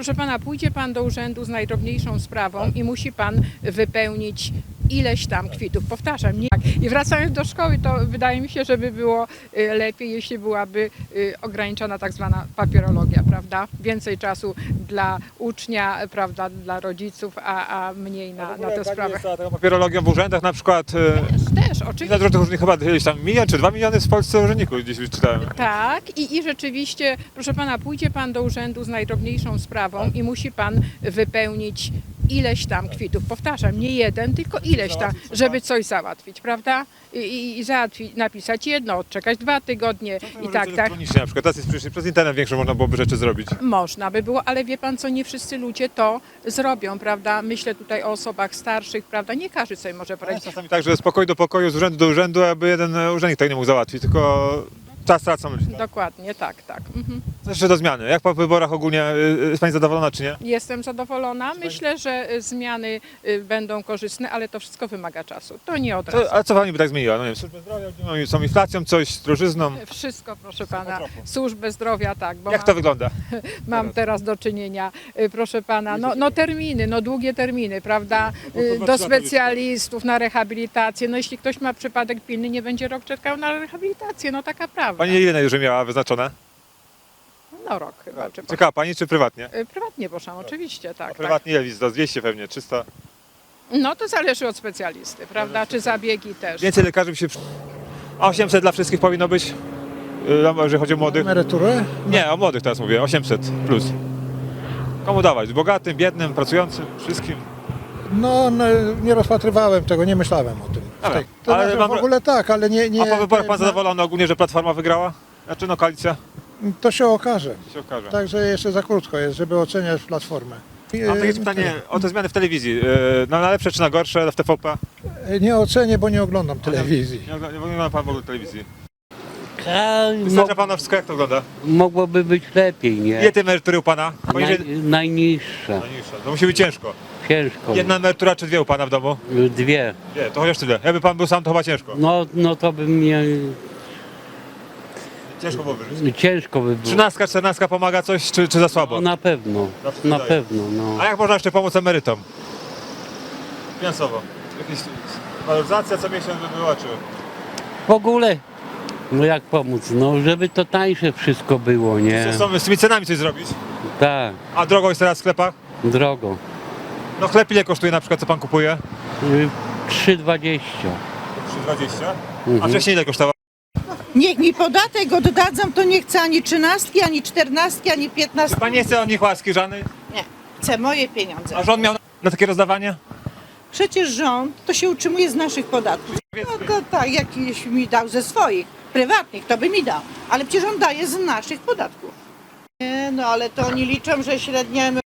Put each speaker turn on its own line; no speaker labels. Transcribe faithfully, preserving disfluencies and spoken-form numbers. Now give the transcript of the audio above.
Proszę pana, pójdzie pan do urzędu z najdrobniejszą sprawą i musi pan wypełnić ileś tam kwitów. Powtarzam, nie. I wracając do szkoły, to wydaje mi się, że by było y, lepiej, jeśli byłaby y, ograniczona tak zwana papierologia, prawda? Więcej czasu dla ucznia, prawda, dla rodziców, a, a mniej na, na te sprawy.
Jest taką papierologią w urzędach na przykład.
Też, też,
Ile
oczywiście.
różnych urzędników, chyba gdzieś tam milion czy dwa miliony w Polsce urzędników gdzieś czytałem.
Tak, i, i rzeczywiście, proszę pana, pójdzie pan do urzędu z najdrobniejszą sprawą i musi pan wypełnić ileś tam kwitów. Powtarzam, nie jeden, tylko ileś tam, żeby coś załatwić, prawda? I, i, i załatwić, napisać jedno, odczekać dwa tygodnie i tak, tak.
Elektronicznie na przykład, teraz jest przecież przez internet większe można byłoby rzeczy zrobić.
Można by było, ale wie pan co, nie wszyscy ludzie to zrobią, prawda? Myślę tutaj o osobach starszych, prawda? Nie każdy sobie może
Ale
poradzić.
czasami tak, że z pokoju do pokoju, z urzędu do urzędu, aby jeden urzędnik tak nie mógł załatwić, tylko czas tracą ludzie. Tak?
Dokładnie, tak, tak. Mhm.
Co jeszcze do zmiany? Jak po wyborach ogólnie, y, jest Pani zadowolona czy nie?
Jestem zadowolona. Myślę, że y, zmiany y, będą korzystne, ale to wszystko wymaga czasu. To nie od razu.
Co, a co Pani by tak zmieniła? No nie wiem, służbę zdrowia, gdzie są inflacją, coś z drożyzną.
Wszystko, proszę pana.
trochu.
Służbę zdrowia, tak, bo
Jak
mam,
to wygląda?
mam teraz do czynienia, y, proszę pana, no, no terminy, no długie terminy, prawda,
No,
y,
to
do
dwa lata
specjalistów, na rehabilitację. No jeśli ktoś ma przypadek pilny, nie będzie rok czekał na rehabilitację, no taka prawda.
Pani ile już miała wyznaczone?
No rok chyba, czy po...
Czekała Pani czy prywatnie?
Y, Prywatnie proszę, oczywiście, tak, tak.
Prywatnie ile wizyta? dwieście pewnie, trzysta.
No to zależy od specjalisty, prawda, czy zabiegi też.
Więcej lekarzy by się... przy- A osiemset dla wszystkich powinno być? Y, Jeżeli chodzi o młodych?
Emeryturę?
Nie, o młodych teraz mówię, osiemset plus. Komu dawać? Bogatym, biednym, pracującym, wszystkim?
No, no nie rozpatrywałem tego, nie myślałem o tym.
Dobra,
Tak, to
ale
znaczy,
mam-
w ogóle tak, ale nie... nie
A po wyborach Pan
nie-
zadowolony ogólnie, że Platforma wygrała? Znaczy no koalicja?
To się okaże.
się okaże.
Także jeszcze za krótko jest, żeby oceniać Platformę.
Mam takie pytanie o te zmiany w telewizji. Yy, No na lepsze czy na gorsze w T V P?
Nie ocenię, bo nie oglądam telewizji.
Nie ogląda, nie ogląda Pan w ogóle telewizji.
A,
Wystarcza
mo-
Pana wszystko, jak to wygląda?
mogłoby być lepiej,
Ile
nie?
tej emerytury u Pana?
Naj,
Poniżej...
najniższa,
Najniższa. To musi być ciężko.
ciężko.
Jedna emerytura czy dwie u Pana w domu?
Dwie.
Nie, to chociaż tyle. Jakby Pan był sam, to chyba ciężko.
No, no to by mnie
Ciężko było wyżyć.
ciężko by było.
Trzynastka, czternastka pomaga coś, czy, czy za słabo?
No, na pewno,
Zawsze
na
daje.
pewno, no.
A jak można jeszcze pomóc emerytom? Finansowo. Jakaś waloryzacja co miesiąc by była, czy...
W ogóle, no jak pomóc? No, żeby to tańsze wszystko było, nie?
Co są z tymi cenami coś zrobić?
Tak,
A drogo jest teraz w sklepach?
drogo.
No chleb ile kosztuje na przykład, co Pan kupuje?
Y, trzy dwadzieścia.
trzy dwadzieścia. A
Mhm.
wcześniej ile kosztowało?
Niech mi podatek oddadzą, to nie chcę ani trzynastki, ani czternastki, ani piętnastki.
Pan nie chce od nich łaski żadnej?
Nie, chcę moje pieniądze.
A rząd miał na takie rozdawanie?
Przecież rząd to się utrzymuje z naszych podatków. No to tak, jakiś mi dał ze swoich, prywatnych, to by mi dał. Ale przecież on daje z naszych podatków. Nie, no ale to oni liczą, że średnia